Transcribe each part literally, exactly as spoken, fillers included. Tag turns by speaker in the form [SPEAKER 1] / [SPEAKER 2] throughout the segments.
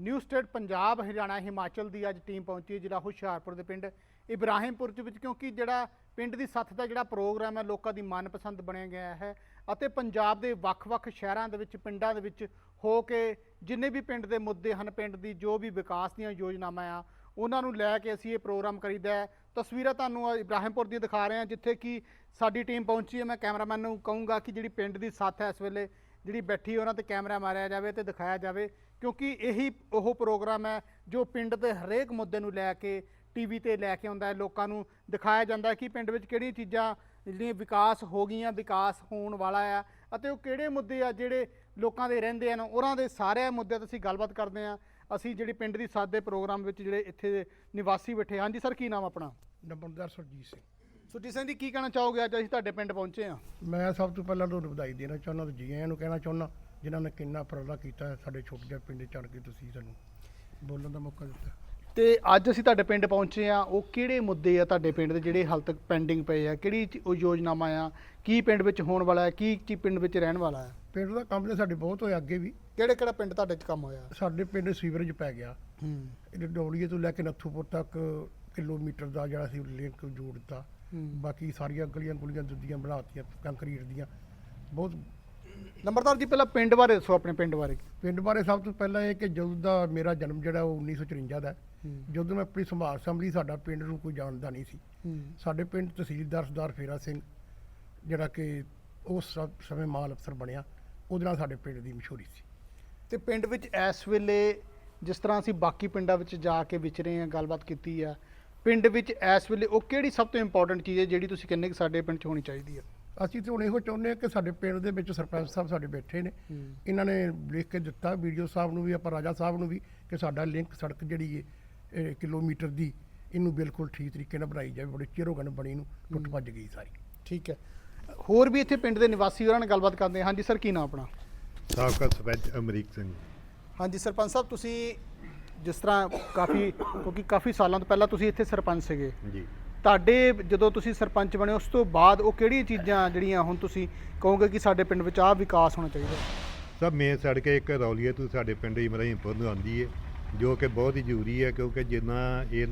[SPEAKER 1] New state Punjab Haryana Himachal ਦੀ ਅੱਜ team ਪਹੁੰਚੀ ਜ਼ਿਲ੍ਹਾ ਹੁਸ਼ਿਆਰਪੁਰ ਦੇ ਪਿੰਡ ਇਬਰਾਹਿਮਪੁਰ ਦੇ ਵਿੱਚ, ਕਿਉਂਕਿ ਜਿਹੜਾ ਪਿੰਡ ਦੀ ਸੱਥ ਦਾ ਜਿਹੜਾ ਪ੍ਰੋਗਰਾਮ ਹੈ ਲੋਕਾਂ ਦੀ ਮਨਪਸੰਦ ਬਣਿਆ ਗਿਆ ਹੈ ਅਤੇ ਪੰਜਾਬ ਦੇ ਵੱਖ-ਵੱਖ ਸ਼ਹਿਰਾਂ ਦੇ ਵਿੱਚ ਪਿੰਡਾਂ ਦੇ ਵਿੱਚ ਹੋ ਕੇ ਜਿੰਨੇ ਵੀ ਪਿੰਡ ਦੇ ਮੁੱਦੇ ਹਨ, ਪਿੰਡ ਦੀ ਜੋ ਵੀ ਵਿਕਾਸ ਦੀਆਂ ਯੋਜਨਾਵਾਂ ਆ ਉਹਨਾਂ ਨੂੰ ਲੈ ਕੇ ਅਸੀਂ ਇਹ ਪ੍ਰੋਗਰਾਮ ਕਰੀਦਾ ਹੈ। ਤਸਵੀਰਾਂ ਤੁਹਾਨੂੰ ਇਬਰਾਹਿਮਪੁਰ ਦੀਆਂ ਦਿਖਾ ਰਹੇ ਹਾਂ ਜਿੱਥੇ ਕਿ ਸਾਡੀ ਟੀਮ ਪਹੁੰਚੀ ਹੈ। ਮੈਂ ਕੈਮਰਾਮੈਨ ਨੂੰ ਕਹੂੰਗਾ ਕਿ ਜਿਹੜੀ ਪਿੰਡ ਦੀ ਸੱਥ ਹੈ ਇਸ ਵੇਲੇ ਜਿਹੜੀ ਬੈਠੀ ਉਹਨਾਂ ਤੇ ਕੈਮਰਾ ਮਾਰਿਆ ਜਾਵੇ ਤੇ ਦਿਖਾਇਆ ਜਾਵੇ, ਕਿਉਂਕਿ ਇਹੀ ਉਹ ਪ੍ਰੋਗਰਾਮ ਹੈ ਜੋ ਪਿੰਡ ਦੇ ਹਰੇਕ ਮੁੱਦੇ ਨੂੰ ਲੈ ਕੇ ਟੀਵੀ ਤੇ ਲੈ ਕੇ ਆਉਂਦਾ ਹੈ, ਲੋਕਾਂ ਨੂੰ ਦਿਖਾਇਆ ਜਾਂਦਾ ਹੈ ਕਿ ਪਿੰਡ ਵਿੱਚ ਕਿਹੜੀਆਂ ਚੀਜ਼ਾਂ ਜਿਹੜੀਆਂ ਵਿਕਾਸ ਹੋ ਗਈਆਂ, ਵਿਕਾਸ ਹੋਣ ਵਾਲਾ ਆ ਅਤੇ ਉਹ ਕਿਹੜੇ ਮੁੱਦੇ ਆ ਜਿਹੜੇ ਲੋਕਾਂ ਦੇ ਰਹਿੰਦੇ ਹਨ, ਉਹਨਾਂ ਦੇ ਸਾਰੇ ਮੁੱਦਿਆਂ 'ਤੇ ਅਸੀਂ ਗੱਲਬਾਤ ਕਰਦੇ ਹਾਂ। ਅਸੀਂ ਜਿਹੜੀ ਪਿੰਡ ਦੀ ਸੱਥ ਦੇ ਪ੍ਰੋਗਰਾਮ ਵਿੱਚ ਜਿਹੜੇ ਇੱਥੇ ਦੇ ਨਿਵਾਸੀ ਬੈਠੇ। ਹਾਂਜੀ ਸਰ, ਕੀ ਨਾਮ ਆਪਣਾ?
[SPEAKER 2] ਨੰਬਰਦਾਰ ਸੁਰਜੀਤ ਸਿੰਘ।
[SPEAKER 1] ਸੁਰਜੀਤ ਸਿੰਘ ਜੀ, ਕੀ ਕਹਿਣਾ ਚਾਹੋਗੇ? ਅੱਜ ਅਸੀਂ ਤੁਹਾਡੇ ਪਿੰਡ ਪਹੁੰਚੇ ਹਾਂ।
[SPEAKER 2] ਮੈਂ ਸਭ ਤੋਂ ਪਹਿਲਾਂ ਤੁਹਾਨੂੰ ਵਧਾਈ ਦੇਣਾ ਚਾਹੁੰਦਾ ਤੇ ਜੀ ਆਇਆਂ ਨੂੰ ਕਹਿਣਾ ਚਾਹੁੰਦਾ ਜਿਨ੍ਹਾਂ ਨੇ ਕਿੰਨਾ ਉਪਰਾਲਾ ਕੀਤਾ ਹੈ ਸਾਡੇ ਛੋਟੇ ਜਿਹੇ ਪਿੰਡ ਚੜ੍ਹ ਕੇ ਤੁਸੀਂ ਸਾਨੂੰ ਬੋਲਣ ਦਾ ਮੌਕਾ ਦਿੱਤਾ।
[SPEAKER 1] ਤੇ ਅੱਜ ਅਸੀਂ ਤੁਹਾਡੇ ਪਿੰਡ ਪਹੁੰਚੇ ਆ, ਉਹ ਕਿਹੜੇ ਮੁੱਦੇ ਆ ਤੁਹਾਡੇ ਪਿੰਡ ਦੇ ਜਿਹੜੇ ਹਾਲ ਤੱਕ ਪੈਂਡਿੰਗ ਪਏ ਆ? ਕਿਹੜੀ ਚ- ਉਹ ਯੋਜਨਾਵਾਂ ਆ? ਕੀ ਪਿੰਡ ਵਿੱਚ ਹੋਣ ਵਾਲਾ ਹੈ? ਕੀ ਕੀ ਪਿੰਡ ਵਿੱਚ ਰਹਿਣ ਵਾਲਾ ਹੈ?
[SPEAKER 2] ਪਿੰਡ ਦਾ ਕੰਮ ਤਾਂ ਸਾਡੇ ਬਹੁਤ ਹੋਇਆ ਅੱਗੇ ਵੀ।
[SPEAKER 1] ਕਿਹੜੇ ਕਿਹੜਾ ਪਿੰਡ ਤੁਹਾਡੇ 'ਚ ਕੰਮ ਹੋਇਆ?
[SPEAKER 2] ਸਾਡੇ ਪਿੰਡ ਸੀਵਰੇਜ ਪੈ ਗਿਆ,
[SPEAKER 1] ਹੂੰ
[SPEAKER 2] ਇਹ ਡੋਲੀਏ ਤੋਂ ਲੈ ਕੇ ਨੱਥੂਪੁਰ ਤੱਕ ਕਿਲੋਮੀਟਰ ਦਾ ਜਿਹੜਾ ਸੀ ਲਿੰਕ ਜੋੜ ਦਿੱਤਾ। ਬਾਕੀ ਸਾਰੀਆਂ ਗਲੀਆਂ ਗੁਲੀਆਂ ਦੁੱਧੀਆਂ ਬਣਾਤੀਆਂ ਕੰਕਰੀਟ ਦੀਆਂ। ਬਹੁਤ
[SPEAKER 1] ਨੰਬਰਦਾਰ ਜੀ, ਪਹਿਲਾਂ ਪਿੰਡ ਬਾਰੇ ਦੱਸੋ, ਆਪਣੇ ਪਿੰਡ ਬਾਰੇ।
[SPEAKER 2] ਪਿੰਡ ਬਾਰੇ ਸਭ ਤੋਂ ਪਹਿਲਾਂ ਇਹ ਕਿ ਜਦੋਂ ਦਾ ਮੇਰਾ ਜਨਮ ਜਿਹੜਾ ਉਹ ਉੱਨੀ ਸੌ ਚੁਰੰਜਾ ਦਾ ਹੈ, ਜਦੋਂ ਮੈਂ ਆਪਣੀ ਸੰਭਾਲ ਸੰਭਲੀ ਸਾਡਾ ਪਿੰਡ ਨੂੰ ਕੋਈ ਜਾਣਦਾ ਨਹੀਂ ਸੀ। ਸਾਡੇ ਪਿੰਡ ਤਹਿਸੀਲਦਾਰ ਸਰਦਾਰ ਫੇਰਾ ਸਿੰਘ ਜਿਹੜਾ ਕਿ ਉਸ ਸ- ਸਮੇਂ ਮਾਲ ਅਫਸਰ ਬਣਿਆ, ਉਹਦੇ ਨਾਲ ਸਾਡੇ ਪਿੰਡ ਦੀ ਮਸ਼ਹੂਰੀ ਸੀ।
[SPEAKER 1] ਤੇ ਪਿੰਡ ਵਿੱਚ ਇਸ ਵੇਲੇ ਜਿਸ ਤਰ੍ਹਾਂ ਅਸੀਂ ਬਾਕੀ ਪਿੰਡਾਂ ਵਿੱਚ ਜਾ ਕੇ ਵਿਚਰੇ ਹਾਂ, ਗੱਲਬਾਤ ਕੀਤੀ ਆ, ਪਿੰਡ ਵਿੱਚ ਇਸ ਵੇਲੇ ਉਹ ਕਿਹੜੀ ਸਭ ਤੋਂ ਇੰਪੋਰਟੈਂਟ ਚੀਜ਼ ਹੈ ਜਿਹੜੀ ਤੁਸੀਂ ਕਹਿੰਦੇ ਕਿ ਸਾਡੇ ਪਿੰਡ 'ਚ ਹੋਣੀ ਚਾਹੀਦੀ ਹੈ?
[SPEAKER 2] ਅਸੀਂ ਤਾਂ ਹੁਣ ਇਹੋ ਚਾਹੁੰਦੇ ਹਾਂ ਕਿ ਸਾਡੇ ਪਿੰਡ ਦੇ ਵਿੱਚ ਸਰਪੰਚ ਸਾਹਿਬ ਸਾਡੇ ਬੈਠੇ ਨੇ, ਇਹਨਾਂ ਨੇ ਲਿਖ ਕੇ ਦਿੱਤਾ ਵੀਡੀਓ ਸਾਹਿਬ ਨੂੰ ਵੀ, ਆਪਾਂ ਰਾਜਾ ਸਾਹਿਬ ਨੂੰ ਵੀ, ਕਿ ਸਾਡਾ ਲਿੰਕ ਸੜਕ ਜਿਹੜੀ ਹੈ ਕਿਲੋਮੀਟਰ ਦੀ ਇਹਨੂੰ ਬਿਲਕੁਲ ਠੀਕ ਤਰੀਕੇ ਨਾਲ ਬਣਾਈ ਜਾਵੇ। ਬੜੇ ਚਿਰ ਹੋ ਗਏ ਨੇ ਬਣੀ ਨੂੰ, ਟੁੱਟ ਭੱਜ ਗਈ ਸਾਰੀ।
[SPEAKER 1] ਠੀਕ ਹੈ, ਹੋਰ ਵੀ ਇੱਥੇ ਪਿੰਡ ਦੇ ਨਿਵਾਸੀ ਉਹਨਾਂ ਨਾਲ ਗੱਲਬਾਤ ਕਰਦੇ ਹਾਂ। ਹਾਂਜੀ ਸਰ, ਕੀ ਨਾਮ ਆਪਣਾ?
[SPEAKER 3] ਸਾਬਕਾ ਸਰਪੰਚ ਅਮਰੀਕ ਸਿੰਘ।
[SPEAKER 1] ਹਾਂਜੀ ਸਰਪੰਚ ਸਾਹਿਬ, ਤੁਸੀਂ ਜਿਸ ਤਰ੍ਹਾਂ ਕਾਫੀ ਕਿਉਂਕਿ ਕਾਫੀ ਸਾਲਾਂ ਤੋਂ ਪਹਿਲਾਂ ਤੁਸੀਂ ਇੱਥੇ ਸਰਪੰਚ ਸੀਗੇ
[SPEAKER 3] ਜੀ।
[SPEAKER 1] ਤੁਹਾਡੇ ਜਦੋਂ ਤੁਸੀਂ ਸਰਪੰਚ ਬਣੇ ਉਸ ਤੋਂ ਬਾਅਦ ਉਹ ਕਿਹੜੀਆਂ ਚੀਜ਼ਾਂ ਜਿਹੜੀਆਂ ਹੁਣ ਤੁਸੀਂ ਕਹੋਗੇ ਕਿ ਸਾਡੇ ਪਿੰਡ ਵਿੱਚ ਆਹ ਵਿਕਾਸ ਹੋਣਾ ਚਾਹੀਦਾ?
[SPEAKER 3] ਸਭ ਮੇਨ ਸੜਕ ਇੱਕ ਰੌਲੀਏ ਤੋਂ ਸਾਡੇ ਪਿੰਡ ਇਬਰਾਹਿਮਪੁਰ ਨੂੰ ਆਉਂਦੀ ਹੈ, ਜੋ ਕਿ ਬਹੁਤ ਹੀ ਜ਼ਰੂਰੀ ਹੈ, ਕਿਉਂਕਿ ਜਿੰਨਾ ਇਹ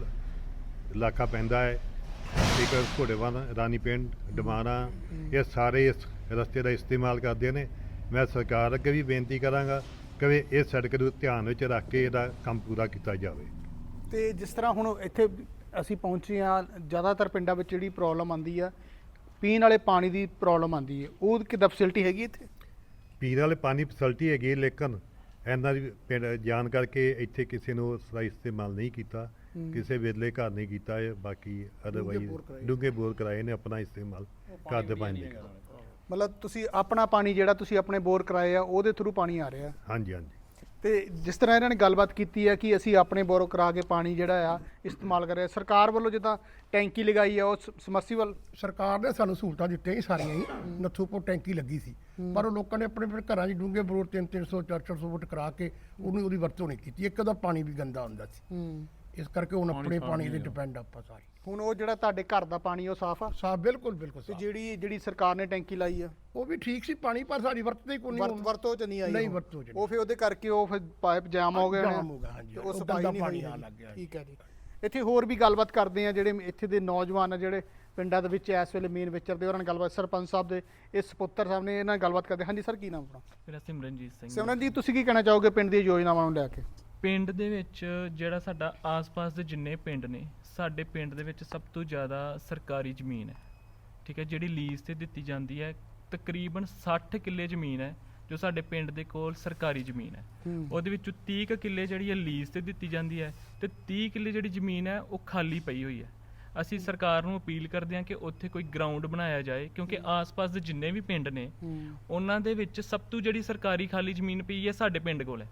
[SPEAKER 3] ਇਲਾਕਾ ਪੈਂਦਾ ਹੈ, ਇੱਕ ਘੋੜੇਵਾਲ, ਰਾਣੀ ਪਿੰਡ, ਡਮਾਣਾ, ਇਹ ਸਾਰੇ ਇਸ ਰਸਤੇ ਦਾ ਇਸਤੇਮਾਲ ਕਰਦੇ ਨੇ। ਮੈਂ ਸਰਕਾਰ ਅੱਗੇ ਵੀ ਬੇਨਤੀ ਕਰਾਂਗਾ ਕਿ ਇਹ ਸੜਕ ਨੂੰ ਧਿਆਨ ਵਿੱਚ ਰੱਖ ਕੇ ਇਹਦਾ ਕੰਮ ਪੂਰਾ ਕੀਤਾ ਜਾਵੇ।
[SPEAKER 1] ਤੇ ਜਿਸ ਤਰ੍ਹਾਂ ਹੁਣ ਇੱਥੇ ਅਸੀਂ ਪਹੁੰਚੇ ਹਾਂ, ਜ਼ਿਆਦਾਤਰ ਪਿੰਡਾਂ ਵਿੱਚ ਜਿਹੜੀ ਪ੍ਰੋਬਲਮ ਆਉਂਦੀ ਆ ਪੀਣ ਵਾਲੇ ਪਾਣੀ ਦੀ ਪ੍ਰੋਬਲਮ ਆਉਂਦੀ ਹੈ, ਉਹ ਕਿੱਦਾਂ ਫੈਸਿਲਿਟੀ ਹੈਗੀ ਇੱਥੇ?
[SPEAKER 3] ਪੀਣ ਵਾਲੇ ਪਾਣੀ ਫੈਸਿਲਿਟੀ ਹੈਗੀ ਹੈ, ਲੇਕਿਨ ਇਹਨਾਂ ਦੀ ਪਿੰਡ ਜਾਣ ਕਰਕੇ ਇੱਥੇ ਕਿਸੇ ਨੂੰ ਸਹੀ ਇਸਤੇਮਾਲ ਨਹੀਂ ਕੀਤਾ, ਕਿਸੇ ਵੇਲੇ ਘਰ ਨਹੀਂ ਕੀਤਾ ਹੈ। ਬਾਕੀ ਅਦਰਵਾਈਜ਼ ਡੂੰਘੇ ਬੋਰ ਕਰਾਏ ਨੇ, ਆਪਣਾ ਇਸਤੇਮਾਲ ਘਰ ਦੇ ਪਾਣੀ ਦੇ।
[SPEAKER 1] ਮਤਲਬ ਤੁਸੀਂ ਆਪਣਾ ਪਾਣੀ ਜਿਹੜਾ ਤੁਸੀਂ ਆਪਣੇ ਬੋਰ ਕਰਾਏ ਆ ਉਹਦੇ ਥਰੂ ਪਾਣੀ ਆ ਰਿਹਾ?
[SPEAKER 3] ਹਾਂਜੀ ਹਾਂਜੀ।
[SPEAKER 1] ਤੇ ਜਿਸ ਤਰ੍ਹਾਂ ਇਹਨਾਂ ਨੇ ਗੱਲਬਾਤ ਕੀਤੀ ਹੈ ਕਿ ਅਸੀਂ ਆਪਣੇ ਬੋਰ ਕਰਾ ਕੇ ਪਾਣੀ ਜਿਹੜਾ ਆ ਇਸਤੇਮਾਲ ਕਰ ਰਹੇ, ਸਰਕਾਰ ਵੱਲੋਂ ਜਿੱਦਾਂ ਟੈਂਕੀ ਲਗਾਈ ਆ, ਉਹ ਸਮਰਸੀਬਲ
[SPEAKER 2] ਸਰਕਾਰ ਨੇ ਸਾਨੂੰ ਸਹੂਲਤਾਂ ਦਿੱਤੀਆਂ ਹੀ ਸਾਰੀਆਂ ਹੀ। ਨੱਥੂਪੁਰ ਟੈਂਕੀ ਲੱਗੀ ਸੀ, ਪਰ ਉਹ ਲੋਕਾਂ ਨੇ ਆਪਣੇ ਆਪਣੇ ਘਰਾਂ 'ਚ ਡੂੰਘੇ ਬੋਰ ਤਿੰਨ ਤਿੰਨ ਸੌ ਚਾਰ ਚਾਰ ਸੌ ਫੁੱਟ ਕਰਾ ਕੇ ਉਹਨੂੰ ਉਹਦੀ ਵਰਤੋਂ ਨਹੀਂ ਕੀਤੀ। ਇੱਕ ਉਹਦਾ ਪਾਣੀ ਵੀ ਗੰਦਾ ਹੁੰਦਾ ਸੀ, ਇਸ ਕਰਕੇ ਹੁਣ ਆਪਣੇ ਪਾਣੀ ਤੇ ਡਿਪੈਂਡ ਆਪਾਂ ਸਾਰੇ।
[SPEAKER 1] ਹੁਣ ਉਹ ਜਿਹੜਾ ਤੁਹਾਡੇ ਘਰ ਦਾ ਪਾਣੀ ਉਹ ਸਾਫ਼ ਆ?
[SPEAKER 2] ਸਾਫ, ਬਿਲਕੁਲ ਬਿਲਕੁਲ
[SPEAKER 1] ਤੇ
[SPEAKER 2] ਸਾਫ਼।
[SPEAKER 1] ਜਿਹੜੀ ਜਿਹੜੀ ਸਰਕਾਰ ਨੇ ਟੈਂਕੀ ਲਾਈ ਆ
[SPEAKER 2] ਉਹ ਵੀ ਠੀਕ ਸੀ ਪਾਣੀ, ਪਰ ਸਾਡੀ ਵਰਤਦੇ ਕੋਈ
[SPEAKER 1] ਵਰਤ
[SPEAKER 2] ਨਹੀਂ।
[SPEAKER 1] ਵਰਤੋਂ ਚ ਨਹੀਂ ਆਈ?
[SPEAKER 2] ਨਹੀਂ
[SPEAKER 1] ਉਹ।
[SPEAKER 2] ਵਰਤੋਂ ਚ ਨਹੀਂ।
[SPEAKER 1] ਉਹ ਫਿਰ ਉਹਦੇ ਕਰਕੇ ਉਹ ਫਿਰ ਪਾਈਪ ਜਾਮ ਹੋ ਗਏ ਹੋਣੇ?
[SPEAKER 2] ਜਾਮ ਹੋ ਗਿਆ, ਹਾਂਜੀ।
[SPEAKER 1] ਤੇ
[SPEAKER 2] ਉਹ
[SPEAKER 1] ਉਹ ਸਫਾਈ
[SPEAKER 2] ਗੰਦਾ
[SPEAKER 1] ਨਹੀਂ
[SPEAKER 2] ਪਾਣੀ
[SPEAKER 1] ਹੋਈ
[SPEAKER 2] ਆਉਣ
[SPEAKER 1] ਹੈਗੀ।
[SPEAKER 2] ਲੱਗ ਗਿਆ।
[SPEAKER 1] ਠੀਕ ਹੈ ਜੀ। ਇੱਥੇ ਹੋਰ ਵੀ ਗੱਲਬਾਤ ਕਰਦੇ ਆ ਜਿਹੜੇ ਇੱਥੇ ਦੇ ਨੌਜਵਾਨ ਆ ਜਿਹੜੇ ਪਿੰਡਾਂ ਦੇ ਵਿੱਚ ਇਸ ਵੇਲੇ ਮੇਨ ਵਿਚਰਦੇ, ਉਹਨਾਂ ਨਾਲ ਗੱਲਬਾਤ ਸਰਪੰਚ ਸਾਹਿਬ ਦੇ ਇਸ ਸਪੁੱਤਰ ਸਾਹਿਬ ਨੇ ਇਹਨਾਂ ਨਾਲ ਗੱਲਬਾਤ ਕਰਦੇ। ਹਾਂਜੀ ਸਰ, ਕੀ ਨਾਮ ਆਪਣਾ?
[SPEAKER 4] ਮੇਰਾ ਸਿਮਰਨਜੀਤ ਸਿੰਘ।
[SPEAKER 1] ਸਿਮਰਨ ਜੀ, ਤੁਸੀਂ ਕੀ ਕਹਿਣਾ ਚਾਹੋਗੇ ਪਿੰਡ ਦੀਆਂ ਯੋਜਨਾਵਾਂ ਨੂੰ ਲੈ ਕੇ?
[SPEAKER 4] ਪਿੰਡ ਦੇ ਵਿੱਚ ਜਿਹੜਾ ਸਾਡਾ ਆਸ-ਪਾਸ ਦੇ ਜਿੰਨੇ ਪਿੰਡ ਨੇ, ਸਾਡੇ ਪਿੰਡ ਦੇ ਵਿੱਚ ਸਭ ਤੋਂ ਜ਼ਿਆਦਾ ਸਰਕਾਰੀ ਜ਼ਮੀਨ ਹੈ। ਠੀਕ ਹੈ, ਜਿਹੜੀ ਲੀਜ਼ ਤੇ ਦਿੱਤੀ ਜਾਂਦੀ ਹੈ, ਤਕਰੀਬਨ ਸੱਠ ਕਿੱਲੇ ਜ਼ਮੀਨ ਹੈ ਜੋ ਸਾਡੇ ਪਿੰਡ ਦੇ ਕੋਲ ਸਰਕਾਰੀ ਜ਼ਮੀਨ ਹੈ। ਉਹਦੇ ਵਿੱਚੋਂ ਤੀਹ ਕੁ ਕਿੱਲੇ ਜਿਹੜੀ ਹੈ ਲੀਜ਼ ਤੇ ਦਿੱਤੀ ਜਾਂਦੀ ਹੈ ਤੇ ਤੀਹ ਕਿੱਲੇ ਜਿਹੜੀ ਜ਼ਮੀਨ ਹੈ ਉਹ ਖਾਲੀ ਪਈ ਹੋਈ ਹੈ। ਅਸੀਂ ਸਰਕਾਰ ਨੂੰ ਅਪੀਲ ਕਰਦੇ ਹਾਂ ਕਿ ਉੱਥੇ ਕੋਈ ਗਰਾਊਂਡ ਬਣਾਇਆ ਜਾਏ, ਕਿਉਂਕਿ ਆਸ-ਪਾਸ ਦੇ ਜਿੰਨੇ ਵੀ ਪਿੰਡ ਨੇ ਉਹਨਾਂ ਦੇ ਵਿੱਚ ਸਭ ਤੋਂ ਜਿਹੜੀ ਸਰਕਾਰੀ ਖਾਲੀ ਜ਼ਮੀਨ ਪਈ ਹੈ ਸਾਡੇ ਪਿੰਡ ਕੋਲ ਹੈ।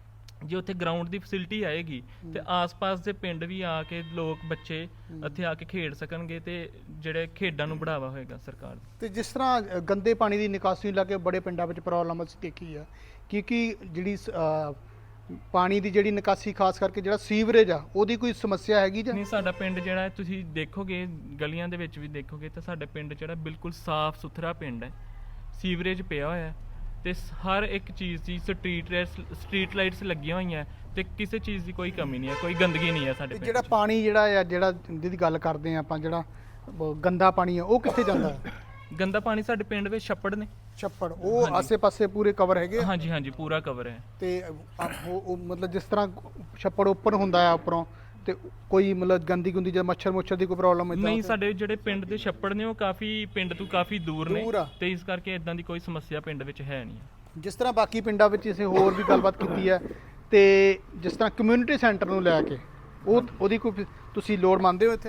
[SPEAKER 4] ਜੇ ਉੱਥੇ ਗਰਾਊਂਡ ਦੀ ਫੈਸਿਲਿਟੀ ਆਏਗੀ ਤੇ ਆਸ-ਪਾਸ ਦੇ ਪਿੰਡ ਵੀ ਆ ਕੇ ਲੋਕ ਬੱਚੇ ਇੱਥੇ ਆ ਕੇ ਖੇਡ ਸਕਣਗੇ ਤੇ ਜਿਹੜੇ ਖੇਡਾਂ ਨੂੰ ਬੜਾਵਾ ਹੋਏਗਾ ਸਰਕਾਰ।
[SPEAKER 1] ਤੇ ਜਿਸ ਤਰ੍ਹਾਂ ਅ, ਗੰਦੇ ਪਾਣੀ ਦੀ ਨਿਕਾਸੀ ਨੂੰ ਲੈ ਕੇ ਬੜੇ ਪਿੰਡਾਂ ਵਿੱਚ ਪ੍ਰੋਬਲਮ ਅਸੀਂ ਦੇਖੀ ਆ, ਕਿਉਂਕਿ ਜਿਹੜੀ ਅ, ਪਾਣੀ ਦੀ ਜਿਹੜੀ ਨਿਕਾਸੀ ਖਾਸ ਕਰਕੇ ਜਿਹੜਾ ਸੀਵਰੇਜ ਆ ਉਹਦੀ ਕੋਈ ਸਮੱਸਿਆ ਹੈਗੀ ਜਾਂ
[SPEAKER 4] ਨਹੀਂ? ਸਾਡਾ ਪਿੰਡ ਜਿਹੜਾ ਹੈ ਤੁਸੀਂ ਦੇਖੋਗੇ, ਗਲੀਆਂ ਦੇ ਵਿੱਚ ਵੀ ਦੇਖੋਗੇ ਤਾਂ ਸਾਡਾ ਪਿੰਡ ਜਿਹੜਾ ਬਿਲਕੁਲ ਸਾਫ਼ ਸੁਥਰਾ ਪਿੰਡ ਹੈ। ਸੀਵਰੇਜ ਪਿਆ ਹੋਇਆ ਹੈ ਤੇ ਸ- ਹਰ ਇੱਕ ਚੀਜ਼ ਦੀ ਸਟਰੀਟ ਸਟਰੀਟ ਲਾਈਟਸ ਲੱਗੀਆਂ ਹੋਈਆਂ ਤੇ ਕਿਸੇ ਚੀਜ਼ ਦੀ ਕੋਈ ਕਮੀ ਨਹੀਂ ਹੈ, ਕੋਈ ਗੰਦਗੀ ਨਹੀਂ ਹੈ ਸਾਡੇ
[SPEAKER 1] ਤੇ
[SPEAKER 4] ਪਿੰਡ
[SPEAKER 1] ਜਿਹੜਾ
[SPEAKER 4] 'ਚ।
[SPEAKER 1] ਪਾਣੀ ਜਿਹੜਾ ਆ ਜਿਹੜਾ ਜਿਹਦੀ ਗੱਲ ਕਰਦੇ ਆ ਆਪਾਂ, ਜਿਹੜਾ ਬ- ਗੰਦਾ ਪਾਣੀ ਆ ਉਹ ਕਿੱਥੇ ਜਾਂਦਾ ਹੈ?
[SPEAKER 4] ਗੰਦਾ ਪਾਣੀ ਸਾਡੇ ਪਿੰਡ ਵਿੱਚ ਛੱਪੜ ਨੇ।
[SPEAKER 1] ਛੱਪੜ ਉਹ
[SPEAKER 4] ਹਾਂਜੀ।
[SPEAKER 1] ਆਸੇ-ਪਾਸੇ ਪੂਰੇ ਕਵਰ ਹੈਗੇ ਆ?
[SPEAKER 4] ਹਾਂਜੀ ਹਾਂਜੀ ਪੂਰਾ ਕਵਰ ਹੈ।
[SPEAKER 1] ਤੇ ਅ- ਉਹ ਉਹ ਮਤਲਬ ਜਿਸ ਤਰ੍ਹਾਂ ਛੱਪੜ ਓਪਨ ਹੁੰਦਾ ਆ ਉੱਪਰੋਂ, ਤੇ ਕੋਈ ਮਤਲਬ ਗੰਦੀ ਗੁੰਦੀ ਜਾਂ ਮੱਛਰ ਮੁੱਛਰ ਦੀ ਕੋਈ ਪ੍ਰੋਬਲਮ ਹੈ?
[SPEAKER 4] ਨਹੀਂ, ਸਾਡੇ ਜਿਹੜੇ ਪਿੰਡ ਦੇ ਛੱਪੜ ਨੇ ਉਹ ਕਾਫੀ ਪਿੰਡ ਤੋਂ ਕਾਫੀ ਦੂਰ ਨੇ
[SPEAKER 1] ਦੂਰ ਆ।
[SPEAKER 4] ਤੇ ਇਸ ਕਰਕੇ ਇਦਾਂ ਦੀ ਕੋਈ ਸਮੱਸਿਆ ਪਿੰਡ ਵਿੱਚ ਹੈ ਨਹੀਂ।
[SPEAKER 1] ਜਿਸ ਤਰ੍ਹਾਂ ਬਾਕੀ ਪਿੰਡਾਂ ਵਿੱਚ ਅਸੀਂ ਹੋਰ ਵੀ ਗੱਲਬਾਤ ਕੀਤੀ ਹੈ, ਤੇ ਜਿਸ ਤਰ੍ਹਾਂ ਕਮਿਊਨਿਟੀ ਸੈਂਟਰ ਨੂੰ ਲੈ ਕੇ ਉਹ ਉਹਦੀ ਕੋਈ ਤੁਸੀਂ ਲੋੜ ਮੰਨਦੇ ਹੋ ਇੱਥੇ?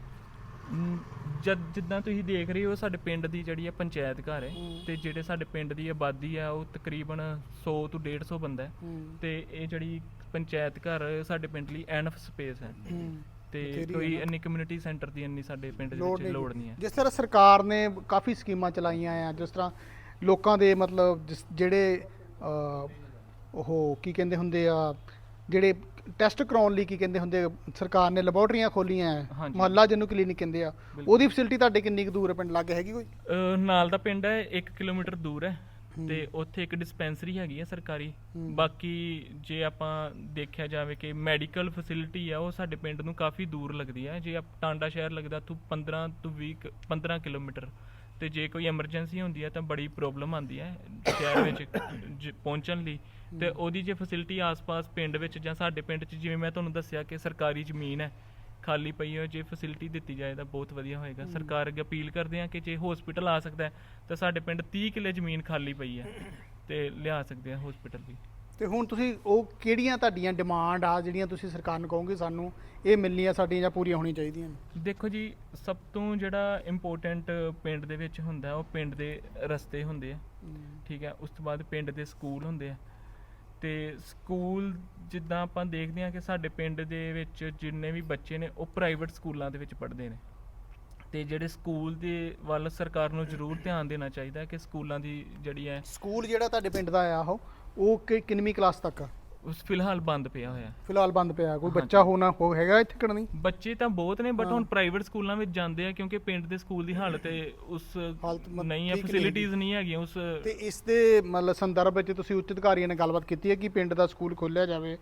[SPEAKER 4] ਮ, ਜਦ ਜਿੱਦਾਂ ਤੁਸੀਂ ਦੇਖ ਰਹੇ ਹੋ ਸਾਡੇ ਪਿੰਡ ਦੀ ਜਿਹੜੀ ਹੈ ਪੰਚਾਇਤ ਘਰ ਹੈ ਤੇ ਜਿਹੜੇ ਸਾਡੇ ਪਿੰਡ ਦੀ ਆਬਾਦੀ ਆ ਉਹ ਤਕਰੀਬਨ ਸੌ ਤੋਂ ਡੇਢ ਸੌ ਬੰਦਾ ਹੈ ਤੇ ਇਹ ਜਿਹੜੀ ਪੰਚਾਇਤ ਘਰ ਸਾਡੇ ਪਿੰਡ ਲਈ ਐਨਫ ਸਪੇਸ ਹੈ ਤੇ
[SPEAKER 1] ਬਥੇਰੀ
[SPEAKER 4] ਕੋਈ
[SPEAKER 1] ਹੈ ਨਾ।
[SPEAKER 4] ਇੰਨੀ ਕਮਿਊਨਿਟੀ ਸੈਂਟਰ ਦੀ ਇੰਨੀ ਸਾਡੇ ਪਿੰਡ ਦੇ
[SPEAKER 1] ਲੋੜ
[SPEAKER 4] ਵਿੱਚ
[SPEAKER 1] ਨਹੀਂ।
[SPEAKER 4] ਲੋੜ ਨਹੀਂ ਹੈ।
[SPEAKER 1] ਜਿਸ ਤਰ੍ਹਾਂ ਸਰਕਾਰ ਨੇ ਕਾਫੀ ਸਕੀਮਾਂ ਚਲਾਈਆਂ ਆ, ਜਿਸ ਤਰ੍ਹਾਂ ਲੋਕਾਂ ਦੇ ਮਤਲਬ ਜਿਸ- ਜਿਹੜੇ ਅ, ਉਹ ਕੀ ਕਹਿੰਦੇ ਹੁੰਦੇ ਆ, ਜਿਹੜੇ ਟੈਸਟ ਕਰਾਉਣ ਲਈ ਕੀ ਕਹਿੰਦੇ ਹੁੰਦੇ ਆ, ਸਰਕਾਰ ਨੇ ਲੈਬੋਰਟਰੀਆਂ ਖੋਲੀਆਂ ਆ,
[SPEAKER 4] ਹਾਂਜੀ।
[SPEAKER 1] ਮੁਹੱਲਾ ਜਿਹਨੂੰ ਕਲੀਨਿਕ ਕਹਿੰਦੇ ਆ,
[SPEAKER 4] ਬਿਲਕੁਲ।
[SPEAKER 1] ਉਹਦੀ ਫੈਸਿਲਿਟੀ ਤੁਹਾਡੇ ਕਿੰਨੀ ਕੁ ਦੂਰ ਹੈ? ਪਿੰਡ ਲਾਗੇ ਹੈਗੀ ਕੋਈ?
[SPEAKER 4] ਅਹ ਨਾਲ ਦਾ ਪਿੰਡ ਹੈ ਇੱਕ ਕਿਲੋਮੀਟਰ ਦੂਰ ਹੈ ਤੇ ਉੱਥੇ ਇੱਕ ਡਿਸਪੈਂਸਰੀ ਹੈਗੀ ਹੈ ਸਰਕਾਰੀ।
[SPEAKER 1] ਹੂੰ।
[SPEAKER 4] ਬਾਕੀ ਜੇ ਆਪਾਂ ਦੇਖਿਆ ਜਾਵੇ ਕਿ ਮੈਡੀਕਲ ਫੈਸਿਲਿਟੀ ਆ ਉਹ ਸਾਡੇ ਪਿੰਡ ਨੂੰ ਕਾਫੀ ਦੂਰ ਲੱਗਦੀ ਹੈ। ਜੇ ਆਪ ਟਾਂਡਾ ਸ਼ਹਿਰ ਲੱਗਦਾ ਤੋਂ ਪੰਦਰਾਂ ਤੋਂ ਵੀਹ ਕੁ- ਪੰਦਰਾਂ ਕਿਲੋਮੀਟਰ, ਤੇ ਜੇ ਕੋਈ ਐਮਰਜੈਂਸੀ ਹੁੰਦੀ ਹੈ ਤਾਂ ਬੜੀ ਪ੍ਰੋਬਲਮ ਆਉਂਦੀ ਹੈ ਸ਼ਹਿਰ ਵਿੱਚ ਜ- ਪਹੁੰਚਣ ਲਈ। ਤੇ ਉਹਦੀ ਜੇ ਫੈਸਿਲਿਟੀ ਆਸ-ਪਾਸ ਪਿੰਡ ਵਿੱਚ ਜਾਂ ਸਾਡੇ ਪਿੰਡ 'ਚ, ਜਿਵੇਂ ਮੈਂ ਤੁਹਾਨੂੰ ਦੱਸਿਆ ਕਿ ਸਰਕਾਰੀ ਜ਼ਮੀਨ ਹੈ ਖਾਲੀ ਪਈ ਹੈ, ਜੇ ਫੈਸਿਲਿਟੀ ਦਿੱਤੀ ਜਾਏ ਤਾਂ ਬਹੁਤ ਵਧੀਆ ਹੋਏਗਾ। ਸਰਕਾਰ ਅੱਗੇ ਅਪੀਲ ਕਰਦੇ ਹਾਂ ਕਿ ਜੇ ਹਸਪੀਟਲ ਆ ਸਕਦਾ ਹੈ ਤਾਂ ਸਾਡੇ ਪਿੰਡ ਤੀਹ ਕਿੱਲੇ ਜ਼ਮੀਨ ਖਾਲੀ ਪਈ ਹੈ ਤੇ ਲਿਆ ਸਕਦੇ ਆ ਹਸਪੀਟਲ ਵੀ।
[SPEAKER 1] ਤੇ ਹੁਣ ਤੁਸੀਂ ਉਹ ਕਿਹੜੀਆਂ ਤੁਹਾਡੀਆਂ ਡਿਮਾਂਡ ਆ ਜਿਹੜੀਆਂ ਤੁਸੀਂ ਸਰਕਾਰ ਨੂੰ ਕਹੋਗੇ ਸਾਨੂੰ ਇਹ ਮਿਲਣੀਆਂ ਸਾਡੀਆਂ ਜਾਂ ਪੂਰੀਆਂ ਹੋਣੀਆਂ ਚਾਹੀਦੀਆਂ ਨੇ?
[SPEAKER 4] ਦੇਖੋ ਜੀ, ਸਭ ਤੋਂ ਜਿਹੜਾ ਇੰਪੋਰਟੈਂਟ ਪਿੰਡ ਦੇ ਵਿੱਚ ਹੁੰਦਾ ਹੈ, ਉਹ ਪਿੰਡ ਦੇ ਰਸਤੇ ਹੁੰਦੇ ਆ, ਠੀਕ ਹੈ। ਉਸ ਤੋਂ ਬਾਅਦ ਪਿੰਡ ਦੇ ਸਕੂਲ ਹੁੰਦੇ ਆ ਤੇ ਸਕੂਲ ਜਿੱਦਾਂ ਆਪਾਂ ਦੇਖਦੇ ਹਾਂ ਕਿ ਸਾਡੇ ਪਿੰਡ ਦੇ ਵਿੱਚ ਜਿੰਨੇ ਵੀ ਬੱਚੇ ਨੇ ਉਹ ਪ੍ਰਾਈਵੇਟ ਸਕੂਲਾਂ ਦੇ ਵਿੱਚ ਪੜ੍ਹਦੇ ਨੇ ਤੇ ਜਿਹੜੇ ਸਕੂਲ ਦੇ ਵੱਲ ਸਰਕਾਰ ਨੂੰ ਜ਼ਰੂਰ ਧਿਆਨ ਦੇਣਾ ਚਾਹੀਦਾ ਹੈ ਕਿ ਸਕੂਲਾਂ ਦੀ ਜਿਹੜੀ ਹੈ
[SPEAKER 1] ਸਕੂਲ ਜਿਹੜਾ ਤੁਹਾਡੇ ਪਿੰਡ ਦਾ ਆ ਉਹ ਉਹ ਕਿ ਕਿੰਨਵੀਂ ਕਲਾਸ ਤੱਕ ਆ?
[SPEAKER 4] ਉਸ ਫਿਲਹਾਲ ਬੰਦ ਪਿਆ ਹੋਇਆ।
[SPEAKER 1] ਫਿਲਹਾਲ ਬੰਦ ਪਿਆ। ਕੋਈ
[SPEAKER 4] ਹਾਂਜੀ।
[SPEAKER 1] ਬੱਚਾ ਹੋਣਾ ਹੋ ਹੈਗਾ ਇੱਥੇ ਕਿ ਨਹੀਂ?
[SPEAKER 4] ਬੱਚੇ ਤਾਂ ਬਹੁਤ ਨੇ ਬਟ
[SPEAKER 1] ਹਾਂ।
[SPEAKER 4] ਹੁਣ ਪ੍ਰਾਈਵੇਟ ਸਕੂਲਾਂ ਵਿੱਚ ਜਾਂਦੇ ਆ ਕਿਉਂਕਿ ਪਿੰਡ ਦੇ ਸਕੂਲ ਦੀ ਹਾਲਤ ਹੈ ਉਸ
[SPEAKER 1] ਹਾਲਤ ਮਤ-
[SPEAKER 4] ਨਹੀਂ ਹੈ,
[SPEAKER 1] ਠੀਕ ਨਹੀਂ
[SPEAKER 4] ਫੈਸਿਲਿਟੀਜ਼ ਨਹੀਂ ਹੈਗੀਆਂ ਉਸ।
[SPEAKER 1] ਤੇ ਇਸ ਦੇ ਮਤਲਬ ਸੰਦਰਭ ਵਿੱਚ ਤੁਸੀਂ ਉੱਚ ਅਧਿਕਾਰੀਆਂ ਨਾਲ ਗੱਲਬਾਤ ਕੀਤੀ ਹੈ ਕਿ ਪਿੰਡ ਦਾ ਸਕੂਲ ਖੋਲ੍ਹਿਆ ਜਾਵੇ?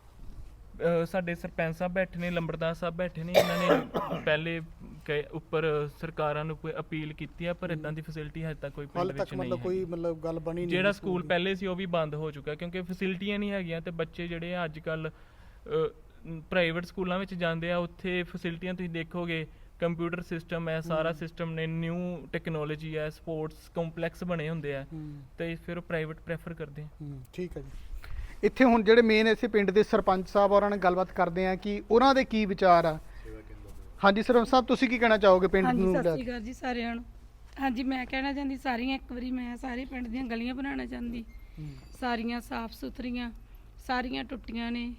[SPEAKER 4] ਅਹ ਸਾਡੇ ਸਰਪੰਚ ਸਾਹਿਬ ਬੈਠੇ ਨੇ, ਲੰਬੜਦਾਰ ਸਾਹਿਬ ਬੈਠੇ ਨੇ, ਇਹਨਾਂ ਨੇ ਪਹਿਲੇ ਕਹੇ- ਉੱਪਰ ਸਰਕਾਰਾਂ ਨੂੰ ਕੋਈ ਅਪੀਲ ਕੀਤੀ ਹੈ ਪਰ ਇਦਾਂ ਦੀ ਫੈਸਿਲਿਟੀ ਹਜੇ ਤੱਕ ਕੋਈ ਪਿੰਡ
[SPEAKER 1] ਹਾਲ
[SPEAKER 4] ਵਿੱਚ
[SPEAKER 1] ਤੱਕ
[SPEAKER 4] ਨਹੀਂ
[SPEAKER 1] ਮਤਲਬ ਕੋਈ
[SPEAKER 4] ਹੈ।
[SPEAKER 1] ਮਤਲਬ ਗੱਲ ਬਣੀ ਨਹੀਂ?
[SPEAKER 4] ਜਿਹੜਾ ਸਕੂਲ ਪਹਿਲੇ ਸੀ ਉਹ ਵੀ ਬੰਦ ਹੋ ਚੁੱਕਾ ਕਿਉਂਕਿ ਫੈਸਿਲਿਟੀਆਂ ਨਹੀਂ ਹੈਗੀਆਂ ਤੇ ਬੱਚੇ ਜਿਹੜੇ ਆ ਅੱਜ ਕੱਲ ਪ੍ਰਾਈਵੇਟ ਸਕੂਲਾਂ ਵਿੱਚ ਜਾਂਦੇ ਆ, ਉੱਥੇ ਫੈਸਿਲਿਟੀਆਂ ਤੁਸੀਂ ਦੇਖੋਗੇ ਕੰਪਿਊਟਰ ਸਿਸਟਮ ਹੈ, ਸਾਰਾ ਸਿਸਟਮ ਨੇ, ਨਿਊ ਟੈਕਨੋਲੋਜੀ ਹੈ, ਸਪੋਰਟਸ ਕੰਪਲੈਕਸ ਬਣੇ ਹੁੰਦੇ ਆ
[SPEAKER 1] ਹੂੰ,
[SPEAKER 4] ਤੇ ਫਿਰ ਉਹ ਪ੍ਰਾਈਵੇਟ ਪ੍ਰੈਫਰ ਕਰਦੇ ਆ।
[SPEAKER 1] ਹੂੰ, ਠੀਕ ਹੈ ਜੀ। ਇੱਥੇ ਹੁਣ ਜਿਹੜੇ ਮੇਨ ਇਸੇ ਪਿੰਡ ਦੇ ਸਰਪੰਚ ਸਾਹਿਬ ਉਹਨਾਂ ਨਾਲ ਗੱਲਬਾਤ ਕਰਦੇ ਆ ਕਿ ਉਹਨਾਂ ਦੇ ਕੀ ਵਿਚਾਰ ਆ। ਹਾਂਜੀ ਸਰਪੰਚ ਸਾਹਿਬ, ਤੁਸੀਂ ਕੀ ਕਹਿਣਾ ਚਾਹੋਗੇ ਪਿੰਡ
[SPEAKER 5] ਹਾਂਜੀ,
[SPEAKER 1] ਨੂੰ
[SPEAKER 5] ਸਤਿ
[SPEAKER 1] ਲੈ
[SPEAKER 5] ਸ਼੍ਰੀ
[SPEAKER 1] ਕੇ?
[SPEAKER 5] ਅਕਾਲ ਜੀ ਸਾਰਿਆਂ ਨੂੰ। ਹਾਂਜੀ, ਮੈਂ ਕਹਿਣਾ ਚਾਹੁੰਦੀ ਸਾਰੀਆਂ ਇੱਕ ਵਾਰੀ ਮੈਂ ਸਾਰੇ ਪਿੰਡ ਦੀਆਂ ਗਲੀਆਂ ਬਣਾਉਣਾ ਚਾਹੁੰਦੀ,
[SPEAKER 1] ਹੂੰ,
[SPEAKER 5] ਸਾਰੀਆਂ ਸਾਫ਼ ਸੁਥਰੀਆਂ, ਸਾਰੀਆਂ ਟੁੱਟੀਆਂ ਨੇ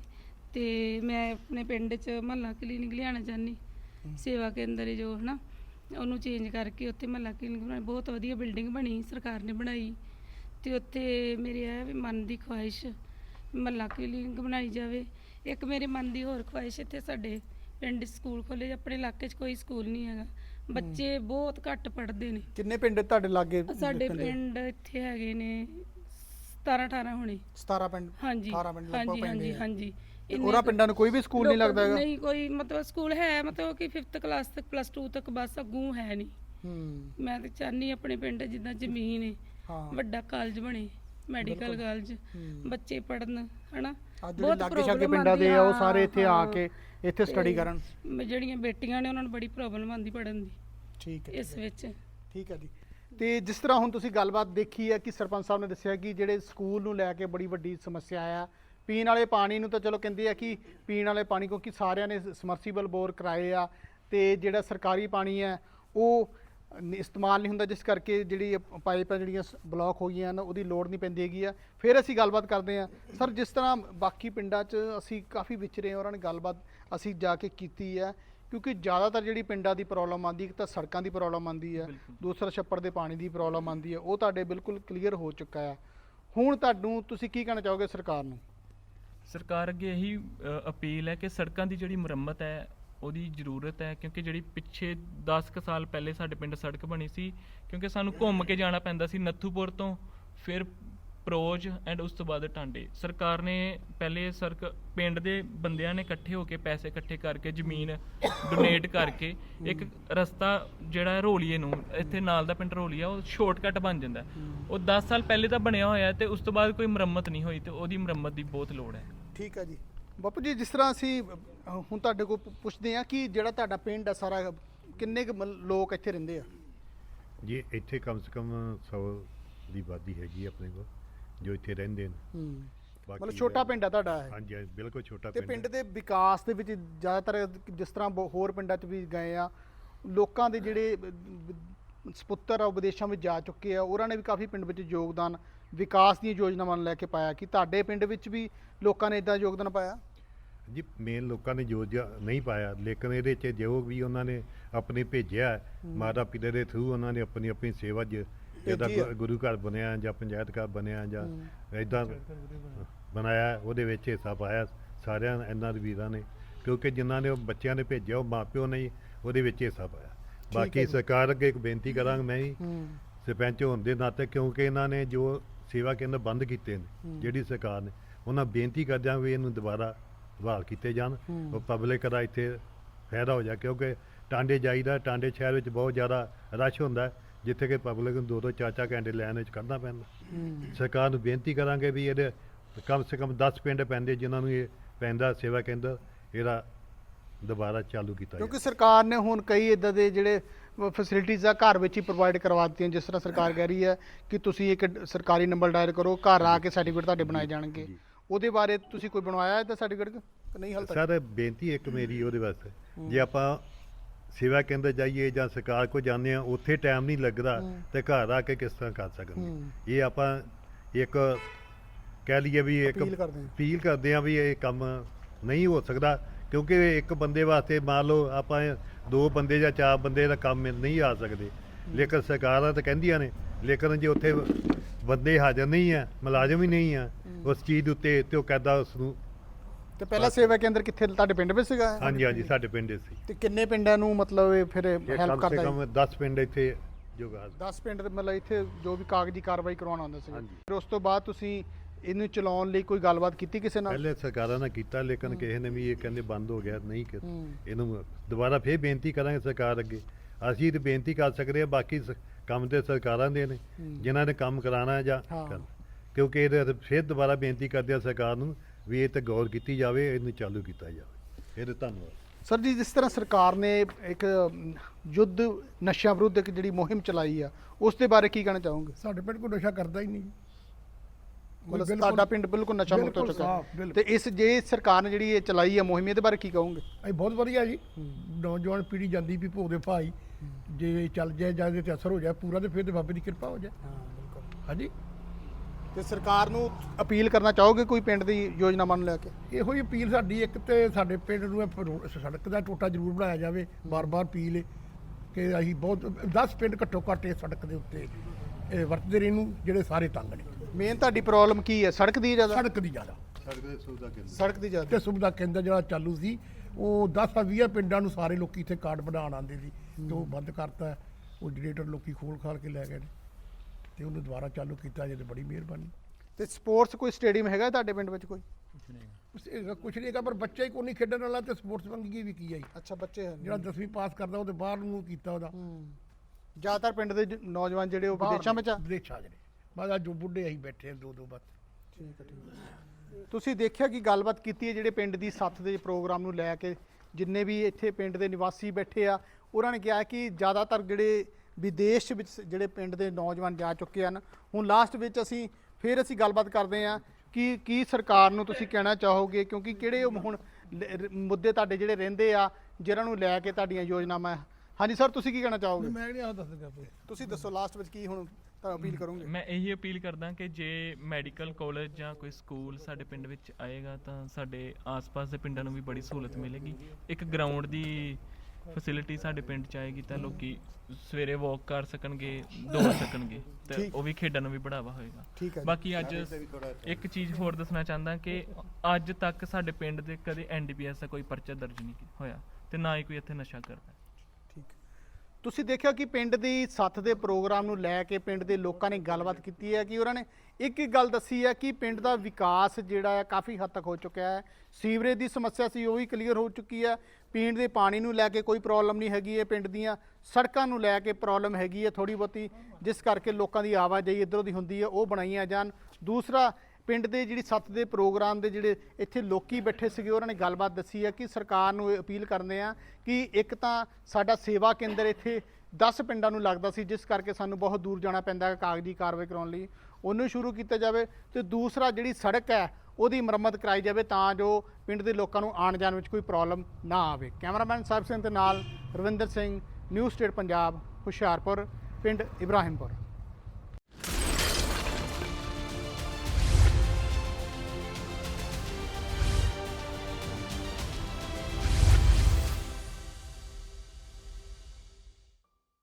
[SPEAKER 5] ਤੇ ਮੈਂ ਆਪਣੇ ਪਿੰਡ 'ਚ ਮਹੱਲਾ ਕਲੀਨਿਕ ਲਿਆਉਣਾ ਚਾਹੁੰਦੀ, ਸੇਵਾ ਕੇਂਦਰ ਹੈ ਜੋ ਹੈ ਨਾ ਉਹਨੂੰ ਚੇਂਜ ਕਰਕੇ ਉੱਥੇ ਮਹੱਲਾ ਕਲੀਨਿਕ ਬਣਾਉਣਾ। ਬਹੁਤ ਵਧੀਆ ਬਿਲਡਿੰਗ ਬਣੀ, ਸਰਕਾਰ ਨੇ ਬਣਾਈ ਤੇ ਉੱਥੇ ਮੇਰੇ ਇਹ ਵੀ ਮਨ ਦੀ ਖੁਆਇਸ਼ ਮਹੱਲਾ ਕਲੀਨਿਕ ਬਣਾਈ ਜਾਵੇ। ਇੱਕ ਮੇਰੇ ਮਨ ਦੀ ਹੋਰ ਖੁਆਇਸ਼, ਇੱਥੇ ਸਾਡੇ ਪਿੰਡ ਸਕੂਲ ਖੋਲ੍ਹੇ। ਆਪਣੇ ਇਲਾਕੇ 'ਚ ਕੋਈ ਸਕੂਲ ਨਹੀਂ ਹੈਗਾ, ਬੱਚੇ ਬਹੁਤ ਘੱਟ ਪੜ੍ਹਦੇ ਨੇ।
[SPEAKER 1] ਕਿੰਨੇ ਪਿੰਡ ਤੁਹਾਡੇ ਲਾਗੇ?
[SPEAKER 5] ਸਾਡੇ ਪਿੰਡ ਇੱਥੇ ਹੈਗੇ ਨੇ ਸਤਾਰਾਂ ਅਠਾਰਾਂ ਹੋਣੇ।
[SPEAKER 1] ਸਤਾਰਾਂ ਪਿੰਡ?
[SPEAKER 5] ਹਾਂਜੀ
[SPEAKER 1] ਅਠਾਰਾਂ ਪਿੰਡ ਲਗਭਗ
[SPEAKER 5] ਹਾਂਜੀ
[SPEAKER 1] ਪੈਂਦੇ
[SPEAKER 5] ਹਾਂਜੀ
[SPEAKER 1] ਆ।
[SPEAKER 5] ਹਾਂਜੀ
[SPEAKER 1] ਤੇ
[SPEAKER 5] ਇੰਨੇ
[SPEAKER 1] ਉਹਨਾਂ
[SPEAKER 5] ਕੁ-
[SPEAKER 1] ਪਿੰਡਾਂ ਨੂੰ ਕੋਈ ਵੀ ਸਕੂਲ ਨਹੀਂ
[SPEAKER 5] ਲੋਕਾਂ
[SPEAKER 1] ਲੱਗਦਾ ਹੈਗਾ?
[SPEAKER 5] ਨਹੀਂ ਕੋਈ, ਮਤਲਬ ਸਕੂਲ ਹੈ, ਮਤਲਬ ਕਿ ਫਿਫਥ ਕਲਾਸ ਤੱਕ, ਪਲੱਸ ਟੂ ਤੱਕ, ਬਸ ਅੱਗੋਂ ਹੈ ਨਹੀਂ।
[SPEAKER 1] ਹੂੰ,
[SPEAKER 5] ਮੈਂ ਤੇ ਚਾਹਨੀ ਆਪਣੇ ਪਿੰਡ ਜਿੱਦਾਂ ਜ਼ਮੀਨ ਹੈ,
[SPEAKER 1] ਹਾਂ।
[SPEAKER 5] ਵੱਡਾ ਕਾਲਜ ਬਣੇ, ਮੈਡੀਕਲ
[SPEAKER 1] ਬਿਲਕੁਲ।
[SPEAKER 5] ਕਾਲਜ,
[SPEAKER 1] ਹੂੰ।
[SPEAKER 5] ਬੱਚੇ ਪੜਨ ਹਨਾ।
[SPEAKER 1] ਆ ਜਿਹੜੇ
[SPEAKER 5] ਬਹੁਤ
[SPEAKER 1] ਲਾਗੇ ਛਾਗੇ
[SPEAKER 5] problem
[SPEAKER 1] ਪਿੰਡਾਂ ਦੇ ਆ ਉਹ
[SPEAKER 5] ਆਉਂਦੀ,
[SPEAKER 1] ਸਾਰੇ ਇੱਥੇ ਆ
[SPEAKER 5] ਹਾਂ,
[SPEAKER 1] ਕੇ ਇੱਥੇ ਸਟੱਡੀ
[SPEAKER 5] ਤੇ
[SPEAKER 1] ਕਰਨ?
[SPEAKER 5] ਮ- ਜਿਹੜੀਆਂ ਬੇਟੀਆਂ ਨੇ ਉਹਨਾਂ ਨੂੰ ਬੜੀ ਪ੍ਰੋਬਲਮ ਆਉਂਦੀ ਪੜਨ ਦੀ
[SPEAKER 1] ਠੀਕ ਹੈ,
[SPEAKER 5] ਇਸ
[SPEAKER 1] ਠੀਕ ਹੈ।
[SPEAKER 5] ਵਿੱਚ।
[SPEAKER 1] ਠੀਕ ਹੈ ਜੀ। ਤੇ ਜਿਸ ਤਰ੍ਹਾਂ ਹੁਣ ਤੁਸੀਂ ਗੱਲਬਾਤ ਦੇਖੀ ਹੈ ਕਿ ਸਰਪੰਚ ਸਾਹਿਬ ਨੇ ਦੱਸਿਆ ਕਿ ਜਿਹੜੇ ਸਕੂਲ ਨੂੰ ਲੈ ਕੇ ਬੜੀ ਵੱਡੀ ਸਮੱਸਿਆ ਆ। ਪੀਣ ਵਾਲੇ ਪਾਣੀ ਨੂੰ ਤਾਂ ਚਲੋ ਕਹਿੰਦੇ ਆ ਕਿ ਪੀਣ ਵਾਲੇ ਪਾਣੀ ਕਿਉਂਕਿ ਸਾਰਿਆਂ ਨੇ ਸਮਰਸੀਬਲ ਬੋਰ ਕਰਾਏ ਆ ਤੇ ਜਿਹੜਾ ਸਰਕਾਰੀ ਪਾਣੀ ਹੈ ਉਹ ਨ- ਇਸਤੇਮਾਲ ਨਹੀਂ ਹੁੰਦਾ, ਜਿਸ ਕਰਕੇ ਜਿਹੜੀ ਪਾਈਪਾਂ ਜਿਹੜੀਆਂ ਬਲੌਕ ਹੋ ਗਈਆਂ ਹਨ ਉਹਦੀ ਲੋੜ ਨਹੀਂ ਪੈਂਦੀ ਹੈਗੀ ਆ। ਫਿਰ ਅਸੀਂ ਗੱਲਬਾਤ ਕਰਦੇ ਹਾਂ ਸਰ, ਜਿਸ ਤਰ੍ਹਾਂ ਬਾਕੀ ਪਿੰਡਾਂ 'ਚ ਅਸੀਂ ਕਾਫੀ ਵਿਚਰੇ ਉਹਨਾਂ ਨੇ ਗੱਲਬਾਤ ਅਸੀਂ ਜਾ ਕੇ ਕੀਤੀ ਹੈ ਕਿਉਂਕਿ ਜ਼ਿਆਦਾਤਰ ਜਿਹੜੀ ਪਿੰਡਾਂ ਦੀ ਪ੍ਰੋਬਲਮ ਆਉਂਦੀ, ਇੱਕ ਤਾਂ ਸੜਕਾਂ ਦੀ ਪ੍ਰੋਬਲਮ ਆਉਂਦੀ ਹੈ,
[SPEAKER 4] ਬਿਲਕੁਲ।
[SPEAKER 1] ਦੂਸਰਾ ਛੱਪੜ ਦੇ ਪਾਣੀ ਦੀ ਪ੍ਰੋਬਲਮ ਆਉਂਦੀ ਹੈ, ਉਹ ਤੁਹਾਡੇ ਬਿਲਕੁਲ ਕਲੀਅਰ ਹੋ ਚੁੱਕਾ ਆ। ਹੁਣ ਤੁਹਾਨੂੰ ਤੁਸੀਂ ਕੀ ਕਹਿਣਾ ਚਾਹੋਗੇ ਸਰਕਾਰ ਨੂੰ?
[SPEAKER 4] ਸਰਕਾਰ ਅੱਗੇ ਇਹੀ ਅ, ਅਪੀਲ ਹੈ ਕਿ ਸੜਕਾਂ ਦੀ ਜਿਹੜੀ ਮੁਰੰਮਤ ਹੈ ਉਹਦੀ ਜ਼ਰੂਰਤ ਹੈ ਕਿਉਂਕਿ ਜਿਹੜੀ ਪਿੱਛੇ ਦਸ ਕੁ ਸਾਲ ਪਹਿਲੇ ਸਾਡੇ ਪਿੰਡ ਸੜਕ ਬਣੀ ਸੀ, ਕਿਉਂਕਿ ਸਾਨੂੰ ਘੁੰਮ ਕੇ ਜਾਣਾ ਪੈਂਦਾ ਸੀ ਨੱਥੂਪੁਰ ਤੋਂ, ਫਿਰ ਪ੍ਰੋਜ ਐਂਡ ਉਸ ਤੋਂ ਬਾਅਦ ਟਾਂਡੇ। ਸਰਕਾਰ ਨੇ ਪਹਿਲੇ ਸਰਕ ਪਿੰਡ ਦੇ ਬੰਦਿਆਂ ਨੇ ਇਕੱਠੇ ਹੋ ਕੇ ਪੈਸੇ ਇਕੱਠੇ ਕਰਕੇ ਜ਼ਮੀਨ ਡੋਨੇਟ ਕਰਕੇ ਇੱਕ ਰਸਤਾ ਜਿਹੜਾ ਰੋਲੀਏ ਨੂੰ, ਇੱਥੇ ਨਾਲ ਦਾ ਪਿੰਡ ਰੋਲੀਆ, ਉਹ ਸ਼ਾਰਟਕਟ ਬਣ ਜਾਂਦਾ। ਉਹ ਦਸ ਸਾਲ ਪਹਿਲੇ ਤਾਂ ਬਣਿਆ ਹੋਇਆ ਤੇ ਉਸ ਤੋਂ ਬਾਅਦ ਕੋਈ ਮੁਰੰਮਤ ਨਹੀਂ ਹੋਈ ਤੇ ਉਹਦੀ ਮੁਰੰਮਤ ਦੀ ਬਹੁਤ ਲੋੜ ਹੈ।
[SPEAKER 1] ਠੀਕ ਹੈ ਜੀ ਬਾਪੂ ਜੀ, ਜਿਸ ਤਰ੍ਹਾਂ ਅਸੀਂ ਅ, ਹੁਣ ਤੁਹਾਡੇ ਕੋਲ ਪੁ- ਪੁੱਛਦੇ ਹਾਂ ਕਿ ਜਿਹੜਾ ਤੁਹਾਡਾ ਪਿੰਡ ਆ ਸਾਰਾ, ਕਿੰਨੇ ਕੁ ਮਤਲਬ ਲੋਕ ਇੱਥੇ ਰਹਿੰਦੇ ਆ?
[SPEAKER 3] ਜੀ ਇੱਥੇ ਕਮ ਸੇ ਕਮ ਸੌ ਦੀ ਆਬਾਦੀ ਹੈਗੀ ਆਪਣੇ ਕੋਲ ਜੋ ਇੱਥੇ ਰਹਿੰਦੇ ਨੇ।
[SPEAKER 1] ਹੂੰ
[SPEAKER 3] ਬਾਕੀ
[SPEAKER 1] ਮਤਲਬ ਛੋਟਾ ਪਿੰਡ ਆ ਤੁਹਾਡਾ ਇਹ?
[SPEAKER 3] ਹਾਂਜੀ ਹਾਂਜੀ, ਬਿਲਕੁਲ ਛੋਟਾ
[SPEAKER 1] ਤੇ
[SPEAKER 3] ਪਿੰਡ
[SPEAKER 1] ਪਿੰਡ
[SPEAKER 3] ਹੈ।
[SPEAKER 1] ਦੇ ਵਿਕਾਸ ਦੇ ਵਿੱਚ ਜ਼ਿਆਦਾਤਰ ਜਿਸ ਤਰ੍ਹਾਂ ਬਹੁ- ਹੋਰ ਪਿੰਡਾਂ 'ਚ ਵੀ ਗਏ ਆ, ਲੋਕਾਂ ਦੇ ਜਿਹੜੇ ਅ, ਵ- ਸਪੁੱਤਰ ਆ ਉਹ ਵਿਦੇਸ਼ਾਂ ਵਿੱਚ ਜਾ ਚੁੱਕੇ ਆ, ਉਹਨਾਂ ਨੇ ਵੀ ਕਾਫੀ ਪਿੰਡ ਵਿੱਚ ਯੋਗਦਾਨ ਵਿਕਾਸ ਦੀਆਂ ਯੋਜਨਾਵਾਂ ਨੂੰ ਲੈ ਕੇ ਪਾਇਆ। ਕਿ ਤੁਹਾਡੇ ਪਿੰਡ ਵਿੱਚ ਵੀ ਲੋਕਾਂ ਨੇ ਇਦਾਂ ਯੋਗਦਾਨ ਪਾਇਆ?
[SPEAKER 3] ਜੀ ਮੇਨ ਲੋਕਾਂ ਨੇ ਜੋ ਜਿਹਾ ਨਹੀਂ ਪਾਇਆ, ਲੇਕਿਨ ਇਹਦੇ 'ਚ ਜੋ ਵੀ ਉਹਨਾਂ ਨੇ ਆਪਣੇ ਭੇਜਿਆ ਹੈ, ਮਾਤਾ ਪਿਤਾ ਦੇ ਥਰੂ ਉਹਨਾਂ ਨੇ ਆਪਣੀ ਆਪਣੀ ਸੇਵਾ 'ਚ ਜਿਹਦਾ
[SPEAKER 1] ਭੇਜੀ ਆ।
[SPEAKER 3] ਗੁ- ਗੁਰੂ ਘਰ ਬਣਿਆ ਜਾਂ ਪੰਚਾਇਤ ਘਰ ਬਣਿਆ ਜਾਂ ਇਦਾਂ ਬਣਾਇਆ, ਉਹਦੇ ਵਿੱਚ ਹਿੱਸਾ ਪਾਇਆ ਸਾਰਿਆਂ ਇਹਨਾਂ ਦੇ ਵੀਰਾਂ ਨੇ, ਕਿਉਂਕਿ ਜਿਨ੍ਹਾਂ ਨੇ ਉਹ ਬੱਚਿਆਂ ਨੇ ਭੇਜਿਆ ਉਹ ਮਾਪਿਓ ਨੇ ਹੀ ਉਹਦੇ ਵਿੱਚ ਹਿੱਸਾ ਪਾਇਆ। ਬਾਕੀ ਸਰਕਾਰ ਅੱਗੇ ਇੱਕ ਬੇਨਤੀ ਕਰਾਂਗਾ ਮੈਂ ਹੀ
[SPEAKER 1] ਹੂੰ
[SPEAKER 3] ਸਰਪੰਚ ਹੋਣ ਦੇ ਨਾਤੇ, ਕਿਉਂਕਿ ਇਹਨਾਂ ਨੇ ਜੋ ਸੇਵਾ ਕੇਂਦਰ ਬੰਦ ਕੀਤੇ ਨੇ ਜਿਹੜੀ ਸਰਕਾਰ ਨੇ, ਉਹਨਾਂ ਬੇਨਤੀ ਕਰਦਿਆਂ ਵੀ ਇਹਨੂੰ ਦੁਬਾਰਾ ਬਹਾਲ ਕੀਤੇ ਜਾਣ, ਉਹ ਪਬਲਿਕ ਦਾ ਇੱਥੇ ਫਾਇਦਾ ਹੋ ਜਾ। ਕਿਉਂਕਿ ਟਾਂਡੇ ਜਾਈਦਾ, ਟਾਂਡੇ ਸ਼ਹਿਰ ਵਿੱਚ ਬਹੁਤ ਜ਼ਿਆਦਾ ਰਸ਼ ਹੁੰਦਾ ਹੈ, ਜਿੱਥੇ ਕਿ ਪਬਲਿਕ ਨੂੰ ਦੋ ਦੋ ਚਾਰ ਚਾਰ ਘੰਟੇ ਲਾਈਨ ਵਿੱਚ ਕੱਢਣਾ ਪੈਂਦਾ। ਸਰਕਾਰ ਨੂੰ ਬੇਨਤੀ ਕਰਾਂਗੇ ਵੀ ਇਹਦੇ ਕਮ ਸੇ ਕਮ ਦਸ ਪਿੰਡ ਪੈਂਦੇ ਜਿਨ੍ਹਾਂ ਨੂੰ ਇਹ ਪੈਂਦਾ ਸੇਵਾ ਕੇਂਦਰ, ਇਹਦਾ ਦੁਬਾਰਾ ਚਾਲੂ ਕੀਤਾ
[SPEAKER 1] ਕਿਉਂਕਿ
[SPEAKER 3] ਜਾਵੇ।
[SPEAKER 1] ਸਰਕਾਰ ਨੇ ਹੁਣ ਕਈ ਇਦਾਂ ਦੇ ਜਿਹੜੇ ਫੈਸਿਲਿਟੀਜ਼ ਆ ਘਰ ਵਿੱਚ ਹੀ ਪ੍ਰੋਵਾਈਡ ਕਰਵਾ ਦਿੱਤੀਆਂ। ਜਿਸ ਤਰ੍ਹਾਂ ਸਰਕਾਰ ਕਹਿ ਰਹੀ ਹੈ ਕਿ ਤੁਸੀਂ ਇੱਕ ਸਰਕਾਰੀ ਨੰਬਰ ਡਾਇਲ ਕਰੋ, ਘਰ ਆ ਕੇ ਸਰਟੀਫਿਕੇਟ ਤੁਹਾਡੇ ਬਣਾਏ ਜਾਣਗੇ।
[SPEAKER 3] ਜੀ।
[SPEAKER 1] ਉਹਦੇ ਬਾਰੇ ਤੁਸੀਂ ਕੋਈ ਬਣਵਾਇਆ ਇਹਦਾ ਸਰਟੀਫਿਕੇਟ ਕਿ ਨਹੀਂ ਹਾਲ ਤੱਕ?
[SPEAKER 3] ਸਰ ਬੇਨਤੀ ਇੱਕ ਮੇਰੀ ਉਹਦੇ ਵਾਸਤੇ, ਜੇ ਆਪਾਂ ਸੇਵਾ ਕੇਂਦਰ ਜਾਈਏ ਜਾਂ ਸਰਕਾਰ ਕੋਲ ਜਾਂਦੇ ਆ, ਉੱਥੇ ਟਾਈਮ ਨਹੀਂ ਲੱਗਦਾ ਤੇ ਘਰ ਆ ਕੇ ਕਿਸ ਤਰ੍ਹਾਂ ਕਰ ਸਕਦੇ? ਇਹ ਆਪਾਂ ਇੱਕ ਕਹਿ ਲਈਏ ਵੀ ਇੱਕ
[SPEAKER 1] ਅਪੀਲ ਕਰਦੇ ਹਾਂ।
[SPEAKER 3] ਅਪੀਲ ਕਰਦੇ ਆ ਵੀ ਇਹ ਕੰਮ ਨਹੀਂ ਹੋ ਸਕਦਾ, ਕਿਉਂਕਿ ਇੱਕ ਬੰਦੇ ਵਾਸਤੇ ਮੰਨ ਲਓ ਆਪਾਂ ਦੋ ਬੰਦੇ ਜਾਂ ਚਾਰ ਬੰਦੇ ਦਾ ਕੰਮ ਨਹੀਂ ਆ ਸਕਦੇ, ਲੇਕਿਨ ਸਰਕਾਰਾਂ ਤਾਂ ਕਹਿੰਦੀਆਂ ਨੇ, ਲੇਕਿਨ ਜੇ ਉੱਥੇ ਬੰਦੇ ਹਾਜ਼ਰ ਨਹੀਂ ਆ, ਮੁਲਾਜ਼ਮ ਹੀ ਨਹੀਂ ਆ ਉਸ ਚੀਜ਼ ਦੇ ਉੱਤੇ, ਤੇ ਉਹ ਕਹਿੰਦਾ ਉਸ ਨੂੰ।
[SPEAKER 1] ਤੇ ਪਹਿਲਾ ਸੇਵਾ ਕੇਂਦਰ ਕਿੱਥੇ ਤੁਹਾਡੇ ਪਿੰਡ ਵਿੱਚ ਸੀਗਾ?
[SPEAKER 3] ਹਾਂਜੀ ਹਾਂਜੀ, ਸਾਡੇ ਪਿੰਡ ਸੀ।
[SPEAKER 1] ਤੇ ਕਿੰਨੇ ਪਿੰਡਾਂ ਨੂੰ ਮਤਲਬ ਇਹ ਫਿਰ
[SPEAKER 3] ਇਹ
[SPEAKER 1] ਹੈਲਪ
[SPEAKER 3] ਕਮ ਸੇ
[SPEAKER 1] ਕਰਦਾ?
[SPEAKER 3] ਕਮ ਦਸ ਪਿੰਡ ਇੱਥੇ ਜੋਗਾ।
[SPEAKER 1] ਦਸ ਪਿੰਡ ਦੇ ਮਤਲਬ ਇੱਥੇ ਜੋ ਵੀ ਕਾਗਜ਼ੀ ਕਾਰਵਾਈ ਕਰਵਾਉਣਾ ਹੁੰਦਾ ਸੀ।
[SPEAKER 3] ਹਾਂਜੀ।
[SPEAKER 1] ਫਿਰ ਉਸ ਤੋਂ ਬਾਅਦ ਤੁਸੀਂ ਇਹਨੂੰ ਚਲਾਉਣ ਲਈ ਕੋਈ ਗੱਲਬਾਤ ਕੀਤੀ ਕਿਸੇ ਨਾਲ?
[SPEAKER 3] ਪਹਿਲੇ ਸਰਕਾਰਾਂ ਨੇ ਕੀਤਾ, ਲੇਕਿਨ ਕਿਸੇ ਨੇ ਵੀ ਇਹ ਕਹਿੰਦੇ ਬੰਦ ਹੋ ਗਿਆ, ਨਹੀਂ ਕਿ
[SPEAKER 1] ਹੂੰ।
[SPEAKER 3] ਇਹਨੂੰ ਦੁਬਾਰਾ ਫੇਰ ਬੇਨਤੀ ਕਰਾਂਗੇ ਸਰਕਾਰ ਅੱਗੇ। ਅਸੀਂ ਤੇ ਬੇਨਤੀ ਕਰ ਸਕਦੇ ਹਾਂ, ਬਾਕੀ ਸ- ਕੰਮ ਤੇ ਸਰਕਾਰਾਂ ਦੇ ਨੇ ਜਿਨ੍ਹਾਂ ਨੇ ਕੰਮ ਕਰਾਉਣਾ ਹੈ ਜਾਂ
[SPEAKER 1] ਹਾਂ।
[SPEAKER 3] ਕਰਨਾ। ਕਿਉਂਕਿ ਇਹਦੇ ਤੇ ਫੇਰ ਦੁਬਾਰਾ ਬੇਨਤੀ ਕਰਦੇ ਆ ਸਰਕਾਰ ਨੂੰ ਵੀ ਇਹ ਤੇ ਗੌਰ ਕੀਤੀ ਜਾਵੇ, ਇਹਨੂੰ ਚਾਲੂ ਕੀਤਾ ਜਾਵੇ। ਇਹਦੇ ਧੰਨਵਾਦ।
[SPEAKER 1] ਸਰ ਜੀ, ਜਿਸ ਤਰ੍ਹਾਂ ਸਰਕਾਰ ਨੇ ਇੱਕ ਅਮ, ਯੁੱਧ ਨਸ਼ਿਆਂ ਵਿਰੁੱਧ ਇੱਕ ਜਿਹੜੀ ਮੁਹਿੰਮ ਚਲਾਈ ਆ, ਉਸ ਦੇ ਬਾਰੇ ਕੀ ਕਹਿਣਾ ਚਾਹੋਗੇ?
[SPEAKER 2] ਸਾਡੇ ਪਿੰਡ ਕੋਈ ਨਸ਼ਾ ਕਰਦਾ ਹੀ ਨਹੀਂ।
[SPEAKER 1] ਮਤਲਬ
[SPEAKER 2] ਬਿਲਕੁਲ-
[SPEAKER 1] ਤੁਹਾਡਾ ਪਿੰਡ ਬਿਲਕੁਲ ਨਸ਼ਾ ਮੁਕਤ ਹੋ
[SPEAKER 2] ਬਿਲਕੁਲ
[SPEAKER 1] ਚੁੱਕਾ
[SPEAKER 2] ਸਾਫ਼,
[SPEAKER 1] ਹੈ।
[SPEAKER 2] ਬਿਲਕੁਲ।
[SPEAKER 1] ਤੇ ਇਸ ਜੇ ਸਰਕਾਰ ਨੇ ਜਿਹੜੀ ਇਹ ਚਲਾਈ ਆ ਮੁਹਿੰਮ, ਇਹਦੇ ਬਾਰੇ ਕੀ ਕਹੋਗੇ?
[SPEAKER 2] ਇਹ ਬਹੁਤ ਵਧੀਆ ਜੀ। ਨੌਜਵਾਨ ਪੀੜ੍ਹੀ ਜਾਂਦੀ ਵੀ ਭੋਗ ਦੇ ਭਾਈ, ਜੇ ਚੱਲ ਜਾਏ ਜਾਂ ਇਹਦੇ ਤੇ ਅਸਰ ਹੋ ਜਾਏ ਪੂਰਾ, ਤੇ ਫਿਰ ਤੇ ਬਾਬੇ ਦੀ ਕਿਰਪਾ ਹੋ ਜਾਏ।
[SPEAKER 1] ਹਾਂ ਬਿਲਕੁਲ।
[SPEAKER 2] ਹਾਂਜੀ,
[SPEAKER 1] ਤੇ ਸਰਕਾਰ ਨੂੰ ਅਪੀਲ ਕਰਨਾ ਚਾਹੋਗੇ ਕੋਈ ਪਿੰਡ ਦੀ ਯੋਜਨਾਵਾਂ ਨੂੰ ਲੈ ਕੇ?
[SPEAKER 2] ਇਹੋ ਹੀ ਅਪੀਲ ਸਾਡੀ, ਇੱਕ ਤੇ ਸਾਡੇ ਪਿੰਡ ਨੂੰ ਇਹ ਰੋ- ਸੜਕ ਦਾ ਟੋਟਾ ਜ਼ਰੂਰ ਬਣਾਇਆ ਜਾਵੇ। ਬਾਰ-ਬਾਰ ਅਪੀਲ ਹੈ ਕਿ ਅਸੀਂ ਬਹੁਤ ਦਸ ਪਿੰਡ ਘੱਟੋ ਘੱਟ ਇਸ ਸੜਕ ਦੇ ਉੱਤੇ ਇਹ ਵਰਤਦੇ ਰਹੇ ਨੂੰ, ਜਿਹੜੇ ਸਾਰੇ ਤੰਗ ਨੇ।
[SPEAKER 1] ਮੇਨ ਤੁਹਾਡੀ ਪ੍ਰੋਬਲਮ ਕੀ ਹੈ? ਸੜਕ ਦੀ ਜ਼ਿਆਦਾ?
[SPEAKER 2] ਸੜਕ ਦੀ ਜ਼ਿਆਦਾ,
[SPEAKER 3] ਸੜਕ ਦੇ ਸੁਵਿਧਾ ਕੇਂਦਰ।
[SPEAKER 1] ਸੜਕ ਦੀ ਜ਼ਿਆਦਾ।
[SPEAKER 2] ਤੇ ਸੁਵਿਧਾ ਕੇਂਦਰ ਜਿਹੜਾ ਚਾਲੂ ਸੀ, ਉਹ ਦਸ ਆ ਵੀਹ ਪਿੰਡਾਂ ਨੂੰ ਸਾਰੇ ਲੋਕੀ ਇੱਥੇ ਕਾਰਡ ਬਣਾਉਣ ਆਉਂਦੇ ਸੀ, ਤੇ ਉਹ ਬੰਦ ਕਰਤਾ। ਉਹ ਜਨਰੇਟਰ ਲੋਕੀ ਖੋਲ ਖਾਲ ਕੇ ਲੈ ਗਏ ਨੇ, ਤੇ ਉਹਨੂੰ ਦੁਬਾਰਾ ਚਾਲੂ ਕੀਤਾ ਜੇ ਤੇ ਬੜੀ ਮਿਹਰਬਾਨੀ।
[SPEAKER 1] ਤੇ ਸਪੋਰਟਸ ਕੋਈ ਸਟੇਡੀਅਮ ਹੈਗਾ ਤੁਹਾਡੇ ਪਿੰਡ ਵਿੱਚ ਕੋਈ?
[SPEAKER 2] ਇਹ ਕੁਛ ਨਹੀਂ ਹੈਗਾ, ਪਰ ਬੱਚਾ ਹੀ ਕੋਈ ਨਹੀਂ ਖੇਡਣ ਵਾਲਾ, ਤੇ ਸਪੋਰਟਸ ਮੰਗੀ ਵੀ ਕੀ ਆਈ।
[SPEAKER 1] ਅੱਛਾ, ਬੱਚੇ ਹਨ
[SPEAKER 2] ਜਿਹੜਾ ਦਸਵੀਂ ਪਾਸ ਕਰਦਾ ਉਹ ਤੇ ਬਾਹਰ ਨੂੰ ਕੀਤਾ ਉਹਦਾ।
[SPEAKER 1] ਜ਼ਿਆਦਾਤਰ ਪਿੰਡ ਦੇ ਜ- ਨੌਜਵਾਨ ਜਿਹੜੇ ਉਹ
[SPEAKER 2] ਬਾਹਰ
[SPEAKER 1] ਵਿਦੇਸ਼ਾਂ ਵਿੱਚ ਆ?
[SPEAKER 2] ਵਿਦੇਸ਼ਾਂ ਜਿਹੜੇ ਬਾਅਦ ਜੋ ਬੁੱਢੇ ਅਸੀਂ ਬੈਠੇ ਆ ਦੋ ਦੋ ਬਸ।
[SPEAKER 1] ਠੀਕ ਹੈ, ਠੀਕ ਹੈ। ਤੁਸੀਂ ਦੇਖਿਆ ਕਿ ਗੱਲਬਾਤ ਕੀਤੀ ਹੈ ਜਿਹੜੇ ਪਿੰਡ ਦੀ ਸੱਥ ਦੇ ਪ੍ਰੋਗਰਾਮ ਨੂੰ ਲੈ ਕੇ, ਜਿੰਨੇ ਵੀ ਇੱਥੇ ਪਿੰਡ ਦੇ ਨਿਵਾਸੀ ਬੈਠੇ ਆ, ਉਹਨਾਂ ਨੇ ਕਿਹਾ ਕਿ ਜ਼ਿਆਦਾਤਰ ਜਿਹੜੇ ਵਿਦੇਸ਼ ਵਿੱਚ ਜਿਹੜੇ ਪਿੰਡ ਦੇ ਨੌਜਵਾਨ ਜਾ ਚੁੱਕੇ ਹਨ। ਹੁਣ ਲਾਸਟ ਵਿੱਚ ਅਸੀਂ ਫਿਰ ਅਸੀਂ ਗੱਲਬਾਤ ਕਰਦੇ ਹਾਂ ਕਿ ਕੀ ਸਰਕਾਰ ਨੂੰ ਤੁਸੀਂ ਕਹਿਣਾ ਚਾਹੋਗੇ, ਕਿਉਂਕਿ ਕਿਹੜੇ ਉਹ ਹੁਣ ਲ- ਰ- ਮੁੱਦੇ ਤੁਹਾਡੇ ਜਿਹੜੇ ਰਹਿੰਦੇ ਆ ਜਿਹਨਾਂ ਨੂੰ ਲੈ ਕੇ ਤੁਹਾਡੀਆਂ ਯੋਜਨਾਵਾਂ? ਹਾਂਜੀ ਸਰ, ਤੁਸੀਂ ਕੀ ਕਹਿਣਾ ਚਾਹੋਗੇ?
[SPEAKER 2] ਮੈਂ ਨਹੀਂ ਆ ਦੱਸ ਦਿੰਦਾ ਪਈ।
[SPEAKER 1] ਤੁਸੀਂ ਦੱਸੋ ਲਾਸਟ ਵਿੱਚ ਕੀ ਹੁਣ ਤਾਂ ਅਪੀਲ ਕਰੋਗੇ?
[SPEAKER 4] ਮੈਂ ਇਹੀ ਅਪੀਲ ਕਰਦਾ ਕਿ ਜੇ ਮੈਡੀਕਲ ਕਾਲਜ ਜਾਂ ਕੋਈ ਸਕੂਲ ਸਾਡੇ ਪਿੰਡ ਵਿੱਚ ਆਏਗਾ ਤਾਂ ਸਾਡੇ ਆਸ-ਪਾਸ ਦੇ ਪਿੰਡਾਂ ਨੂੰ ਵੀ ਬੜੀ ਸਹੂਲਤ ਮਿਲੇਗੀ। ਇੱਕ ਗਰਾਊਂਡ ਦੀ ਫੈਸਿਲਿਟੀ ਸਾਡੇ ਪਿੰਡ 'ਚ ਆਏਗੀ ਤਾਂ ਲੋਕੀ ਸਵੇਰੇ ਵਾਕ ਕਰ ਸਕਣਗੇ, ਦੌੜ ਸਕਣਗੇ, ਤੇ
[SPEAKER 1] ਠੀਕ।
[SPEAKER 4] ਉਹ ਵੀ ਖੇਡਾਂ ਨੂੰ ਵੀ ਬੜਾਵਾ ਹੋਏਗਾ।
[SPEAKER 1] ਠੀਕ ਹੈ ਜੀ।
[SPEAKER 4] ਬਾਕੀ ਅੱਜ ਇੱਕ ਚੀਜ਼ ਹੋਰ ਦੱਸਣਾ ਚਾਹੁੰਦਾ ਕਿ ਅੱਜ ਤੱਕ ਸਾਡੇ ਪਿੰਡ ਦੇ ਕਦੇ ਐਨ ਡੀ ਪੀ ਐਸ ਦਾ ਕੋਈ ਪਰਚਾ ਦਰਜ ਨਹੀਂ ਕੀ- ਹੋਇਆ ਤੇ ਨਾ ਹੀ ਕੋਈ ਇੱਥੇ ਨਸ਼ਾ ਕਰਦਾ।
[SPEAKER 1] ਠੀਕ। ਤੁਸੀਂ ਦੇਖਿਆ ਕਿ ਪਿੰਡ ਦੀ ਸੱਥ ਦੇ ਪ੍ਰੋਗਰਾਮ ਨੂੰ ਲੈ ਕੇ ਪਿੰਡ ਦੇ ਲੋਕਾਂ ਨੇ ਗੱਲਬਾਤ ਕੀਤੀ ਹੈ ਕਿ ਉਹਨਾਂ ਨੇ ਇੱਕ ਇੱਕ ਗੱਲ ਦੱਸੀ ਹੈ ਕਿ ਪਿੰਡ ਦਾ ਵਿਕਾਸ ਜਿਹੜਾ ਹੈ ਕਾਫੀ ਹੱਦ ਤੱਕ ਹੋ ਚੁੱਕਿਆ ਹੈ। ਸੀਵਰੇਜ ਦੀ ਸਮੱਸਿਆ ਸੀ ਉਹ ਵੀ ਕਲੀਅਰ ਹੋ ਚੁੱਕੀ ਹੈ। ਪੀਣ ਦੇ ਪਾਣੀ ਨੂੰ ਲੈ ਕੇ ਕੋਈ ਪ੍ਰੋਬਲਮ ਨਹੀਂ ਹੈਗੀ ਹੈ। ਪਿੰਡ ਦੀਆਂ ਸੜਕਾਂ ਨੂੰ ਲੈ ਕੇ ਪ੍ਰੋਬਲਮ ਹੈਗੀ ਹੈ ਥੋੜੀ ਬਹੁਤੀ, ਜਿਸ ਕਰਕੇ ਲੋਕਾਂ ਦੀ ਆਵਾਜਾਈ ਇੱਧਰੋਂ ਦੀ ਹੁੰਦੀ ਹੈ, ਉਹ ਬਣਾਈਆਂ ਜਾਣ। ਦੂਸਰਾ, ਪਿੰਡ ਦੇ ਜਿਹੜੀ ਸੱਥ ਦੇ ਪ੍ਰੋਗਰਾਮ ਦੇ ਜਿਹੜੇ ਇੱਥੇ ਲੋਕੀ ਬੈਠੇ ਸੀਗੇ ਉਹਨਾਂ ਨੇ ਗੱਲਬਾਤ ਦੱਸੀ ਹੈ ਕਿ ਸਰਕਾਰ ਨੂੰ ਅਪੀਲ ਕਰਦੇ ਆ ਕਿ ਇੱਕ ਤਾਂ ਸਾਡਾ ਸੇਵਾ ਕੇਂਦਰ ਇੱਥੇ ਦਸ ਪਿੰਡਾਂ ਨੂੰ ਲੱਗਦਾ ਸੀ, ਜਿਸ ਕਰਕੇ ਸਾਨੂੰ ਬਹੁਤ ਦੂਰ ਜਾਣਾ ਪੈਂਦਾ ਹੈ ਕਾਗਜ਼ੀ ਕਾਰਵਾਈ ਕਰਾਉਣ ਲਈ, ਉਹਨੂੰ ਸ਼ੁਰੂ ਕੀਤਾ ਜਾਵੇ। ਤੇ ਦੂਸਰਾ, ਜਿਹੜੀ ਸੜਕ ਹੈ ਉਹਦੀ ਮੁਰੰਮਤ ਕਰਾਈ ਜਾਵੇ ਤਾਂ ਜੋ ਪਿੰਡ ਦੇ ਲੋਕਾਂ ਨੂੰ ਆਉਣ ਜਾਣ ਵਿੱਚ ਕੋਈ ਪ੍ਰੋਬਲਮ ਨਾ ਆਵੇ। ਕੈਮਰਾਮੈਨ ਸਾਹਿਬ ਸਿੰਘ ਦੇ ਨਾਲ ਰਵਿੰਦਰ ਸਿੰਘ, ਨਿਊਜ਼ ਸਟੇਟ ਪੰਜਾਬ, ਹੁਸ਼ਿਆਰਪੁਰ, ਪਿੰਡ ਇਬਰਾਹਿਮਪੁਰ।